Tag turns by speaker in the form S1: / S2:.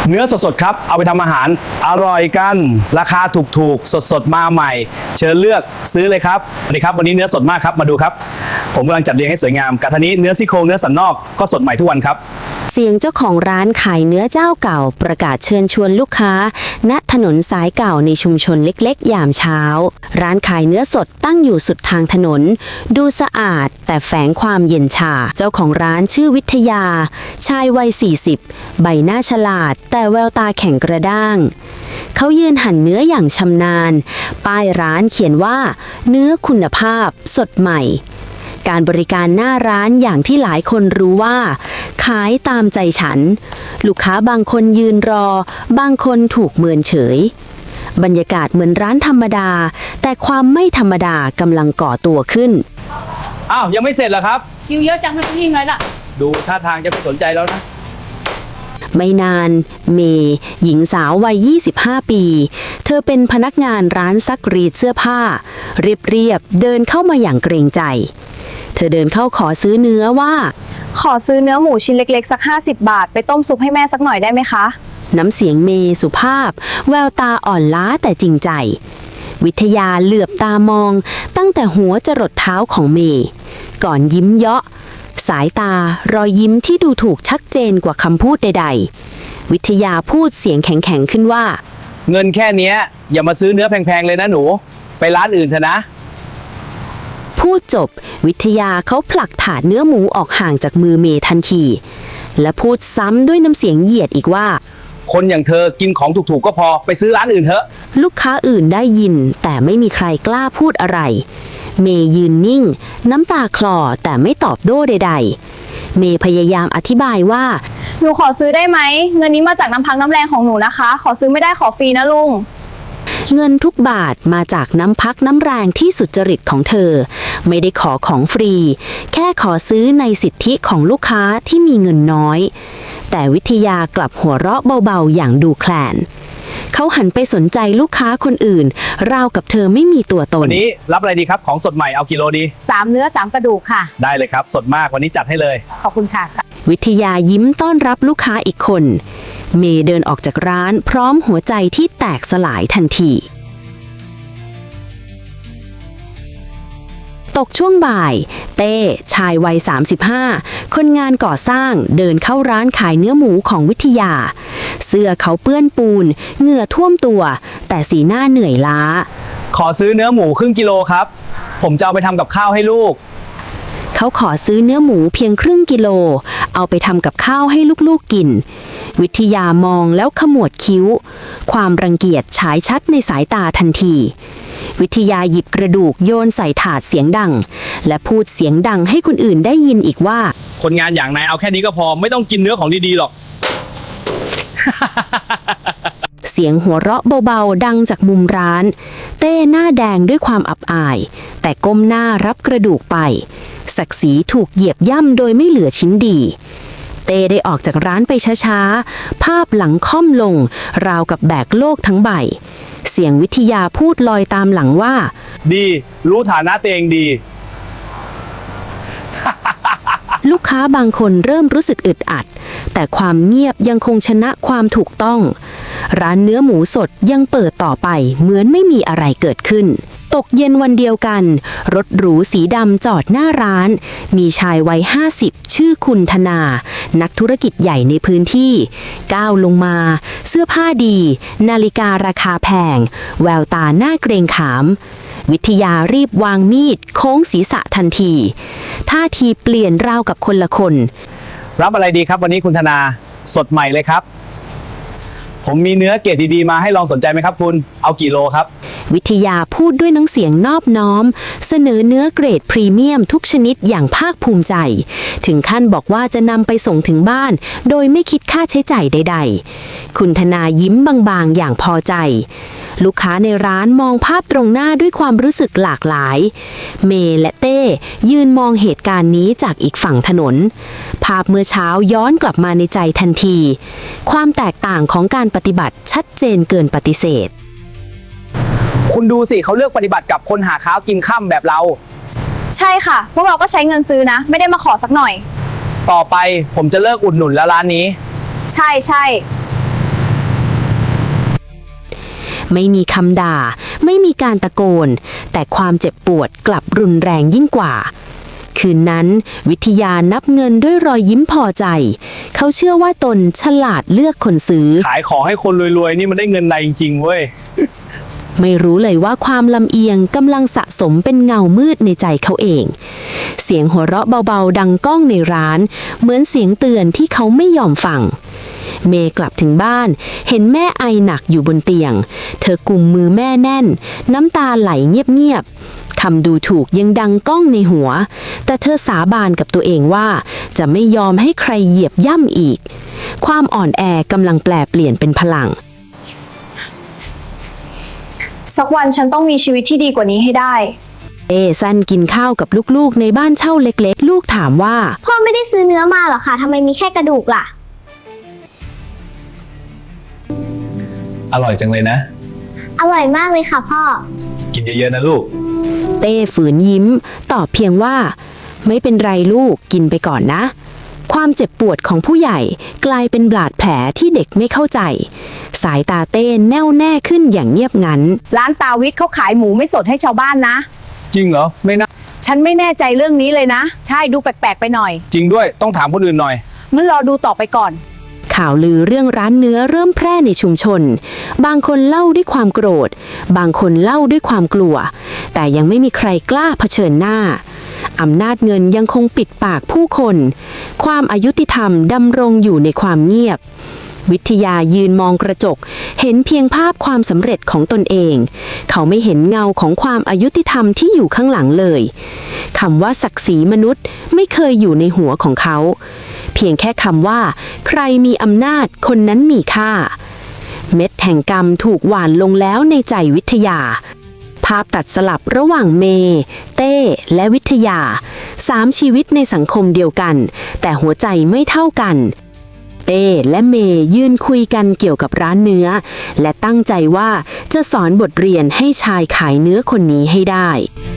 S1: เนื้อสดๆครับเอาไปทำอาหารอร่อยกันราคาถูกๆสดๆมาใหม่เชิญเลือกซื้อเลยครับสวัสดีครับวันนี้เนื้อสดมากครับมาดูครับผมกำลังจัดเรียงให้สวยงามกระทะนี้เนื้อซี่โครงเนื้อสันนอกก็สดใหม่ทุกวันครับ
S2: เสียงเจ้าของร้านขายเนื้อเจ้าเก่าประกาศเชิญชวนลูกค้าณถนนสายเก่าในชุมชนเล็กๆยามเช้าร้านขายเนื้อสดตั้งอยู่สุดทางถนนดูสะอาดแต่แฝงความเย็นชาเจ้าของร้านชื่อวิทยาชายวัย40ใบหน้าฉลาดแต่แววตาแข็งกระด้างเขายืนหั่นเนื้ออย่างชำนาญป้ายร้านเขียนว่าเนื้อคุณภาพสดใหม่การบริการหน้าร้านอย่างที่หลายคนรู้ว่าขายตามใจฉันลูกค้าบางคนยืนรอบางคนถูกเมินเฉยบรรยากาศเหมือนร้านธรรมดาแต่ความไม่ธรรมดากำลังก่อตัวขึ้น
S1: อ้าวยังไม่เสร็จเหรอครับ
S3: คิวเยอะจังไม่ยิ่งเลยล่ะ
S1: ดูท่าทางจะไม่สนใจแล้วนะ
S2: ไม่นานเมย์หญิงสาววัย25ปีเธอเป็นพนักงานร้านซักรีดเสื้อผ้าเรียบเดินเข้ามาอย่างเกรงใจเธอเดินเข้าขอซื้อเนื้อว่า
S3: ขอซื้อเนื้อหมูชิ้นเล็กๆสัก50 บาทไปต้มซุปให้แม่สักหน่อยได้ไหมคะ
S2: น้ำเสียงเมย์สุภาพแววตาอ่อนล้าแต่จริงใจวิทยาเหลือบตามองตั้งแต่หัวจรดเท้าของเมย์ก่อนยิ้มเยาะสายตารอยยิ้มที่ดูถูกชัดเจนกว่าคำพูดใดๆวิทยาพูดเสียงแข็งๆขึ้นว่า
S1: เงินแค่นี้อย่ามาซื้อเนื้อแพงๆเลยนะหนูไปร้านอื่นเถอะนะ
S2: พูดจบวิทยาเขาผลักถาดเนื้อหมูออกห่างจากมือเมย์ทันทีและพูดซ้ำด้วยน้ำเสียงเหยียดอีกว่า
S1: คนอย่างเธอกินของถูกๆก็พอไปซื้อร้านอื่นเถอะ
S2: ลูกค้าอื่นได้ยินแต่ไม่มีใครกล้าพูดอะไรเมย์ยืนนิ่งน้ำตาคลอแต่ไม่ตอบโต้ใดๆเมย์พยายามอธิบายว่า
S3: หนูขอซื้อได้ไหมเงินนี้มาจากน้ำพักน้ำแรงของหนูนะคะขอซื้อไม่ได้ขอฟรีนะลุง
S2: เงินทุกบาทมาจากน้ำพักน้ำแรงที่สุจริตของเธอไม่ได้ขอของฟรีแค่ขอซื้อในสิทธิของลูกค้าที่มีเงินน้อยแต่วิทยากลับหัวเราะเบาๆอย่างดูแคลนเขาหันไปสนใจลูกค้าคนอื่นราวกับเธอไม่มีตัวตน
S1: วันนี้รับอะไรดีครับของสดใหม่เอากิโลดี
S3: 3เนื้อ3กระดูกค่ะ
S1: ได้เลยครับสดมากวันนี้จัดให้เลย
S3: ขอบคุณค่ะ
S2: วิทยายิ้มต้อนรับลูกค้าอีกคนเมย์เดินออกจากร้านพร้อมหัวใจที่แตกสลายทันทีตกช่วงบ่ายเต้ชายวัย35คนงานก่อสร้างเดินเข้าร้านขายเนื้อหมูของวิทยาเสื้อเขาเปื้อนปูนเหงื่อท่วมตัวแต่สีหน้าเหนื่อยล้า
S1: ขอซื้อเนื้อหมูครึ่งกิโลครับผมจะเอาไปทำกับข้าวให้ลูก
S2: เขาขอซื้อเนื้อหมูเพียงครึ่งกิโลเอาไปทำกับข้าวให้ลูกๆกินวิทยามองแล้วขมวดคิ้วความรังเกียจฉายชัดในสายตาทันทีวิทยาหยิบกระดูกโยนใส่ถาดเสียงดังและพูดเสียงดังให้คนอื่นได้ยินอีกว่า
S1: คนงานอย่างนายเอาแค่นี้ก็พอไม่ต้องกินเนื้อของดีๆหรอก
S2: เสียงหัวเราะเบาๆดังจากมุมร้านเต้หน้าแดงด้วยความอับอายแต่ก้มหน้ารับกระดูกไปศักดิ์ศรีถูกเหยียบย่ำโดยไม่เหลือชิ้นดีเต้ได้ออกจากร้านไปช้าๆภาพหลังค่อมลงราวกับแบกโลกทั้งใบเสียงวิทยาพูดลอยตามหลังว่า
S1: ดีรู้ฐานะตัวเองดี
S2: ลูกค้าบางคนเริ่มรู้สึกอึดอัดแต่ความเงียบยังคงชนะความถูกต้องร้านเนื้อหมูสดยังเปิดต่อไปเหมือนไม่มีอะไรเกิดขึ้นตกเย็นวันเดียวกันรถหรูสีดำจอดหน้าร้านมีชายวัย50ชื่อคุณธนานักธุรกิจใหญ่ในพื้นที่ก้าวลงมาเสื้อผ้าดีนาฬิการาคาแพงแววตาหน้าเกรงขามวิทยารีบวางมีดโค้งศีรษะทันทีท่าทีเปลี่ยนราวกับคนละคน
S1: รับอะไรดีครับวันนี้คุณธนาสดใหม่เลยครับผมมีเนื้อเกรดดีๆมาให้ลองสนใจไหมครับคุณเอากี่โลครับ
S2: วิทยาพูดด้วยน้ำเสียงนอบน้อมเสนอเนื้อเกรดพรีเมียมทุกชนิดอย่างภาคภูมิใจถึงขั้นบอกว่าจะนำไปส่งถึงบ้านโดยไม่คิดค่าใช้จ่ายใดๆคุณธนายิ้มบางๆอย่างพอใจลูกค้าในร้านมองภาพตรงหน้าด้วยความรู้สึกหลากหลายเมย์และเต้ยืนมองเหตุการณ์นี้จากอีกฝั่งถนนภาพเมื่อเช้าย้อนกลับมาในใจทันทีความแตกต่างของการปฏิบัติชัดเจนเกินปฏิเสธ
S1: คุณดูสิเขาเลือกปฏิบัติกับคนหาข้าวกินค่ำแบบเรา
S3: ใช่ค่ะพวกเราก็ใช้เงินซื้อนะไม่ได้มาขอสักหน่อย
S1: ต่อไปผมจะเลิกอุดหนุนแล้วร้านนี้
S3: ใช่
S2: ไม่มีคำด่า ไม่มีการตะโกน แต่ความเจ็บปวดกลับรุนแรงยิ่งกว่า คืนนั้นวิทยานับเงินด้วยรอยยิ้มพอใจ เขาเชื่อว่าตนฉลาดเลือกคนซื้อ
S1: ขายของให้คนรวยๆนี่มันได้เงินในจริงๆเว้ย
S2: ไม่รู้เลยว่าความลำเอียงกำลังสะสมเป็นเงามืดในใจเขาเอง เสียงหัวเราะเบาๆดังก้องในร้าน เหมือนเสียงเตือนที่เขาไม่ยอมฟัง เมย์กลับถึงบ้านเห็นแม่ไอหนักอยู่บนเตียง เธอกุมมือแม่แน่น น้ำตาไหลเงียบๆคำดูถูกยังดังก้องในหัว แต่เธอสาบานกับตัวเองว่าจะไม่ยอมให้ใครเหยียบย่ำอีก ความอ่อนแอกำลังแปลเปลี่ยนเป็นพลัง
S3: สักวันฉันต้องมีชีวิตที่ดีกว่านี้ให้ได้
S2: ซันกินข้าวกับลูกๆในบ้านเช่าเล็กๆ ลูกถามว่า
S4: พ่อไม่ได้ซื้อเนื้อมาหรอคะทำไมมีแค่กระดูกล่ะ
S1: อร่อยจังเลยนะ
S4: อร่อยมากเลยค่ะพ่อ
S1: กินเยอะๆนะลูก
S2: เต้ฝืนยิ้ม ตอบเพียงว่า ไม่เป็นไรลูกกินไปก่อนนะ ความเจ็บปวดของผู้ใหญ่กลายเป็นบาดแผลที่เด็กไม่เข้าใจ สายตาเต้แน่วแน่ขึ้นอย่างเงียบงัน
S5: ร้านตาวิทย์เขาขายหมูไม่สดให้ชาวบ้านนะ
S1: จริงเหรอ ไม่น่า
S5: ฉันไม่แน่ใจเรื่องนี้เลยนะ ใช่ดูแปลกๆไปหน่อย
S1: จริงด้วยต้องถามคนอื่นหน่อย
S5: งั้นรอดูต่อไปก่อน
S2: ข่าวลือเรื่องร้านเนื้อเริ่มแพร่ในชุมชน บางคนเล่าด้วยความโกรธ บางคนเล่าด้วยความกลัว แต่ยังไม่มีใครกล้าเผชิญหน้า อำนาจเงินยังคงปิดปากผู้คน ความอายุติธรรมดำรงอยู่ในความเงียบ วิทยายืนมองกระจก เห็นเพียงภาพความสำเร็จของตนเอง เขาไม่เห็นเงาของความอายุติธรรมที่อยู่ข้างหลังเลยคำว่าศักดิ์ศรีมนุษย์ไม่เคยอยู่ในหัวของเขา เพียงแค่คำว่า ใครมีอำนาจคนนั้นมีค่า เม็ดแห่งกรรมถูกหว่านลงแล้วในใจวิทยา ภาพตัดสลับระหว่างเมย์เต้และวิทยา3ชีวิตในสังคมเดียวกัน แต่หัวใจไม่เท่ากัน เต้และเมย์ยืนคุยกันเกี่ยวกับร้านเนื้อ และตั้งใจว่าจะสอนบทเรียนให้ชายขายเนื้อคนนี้ให้ได้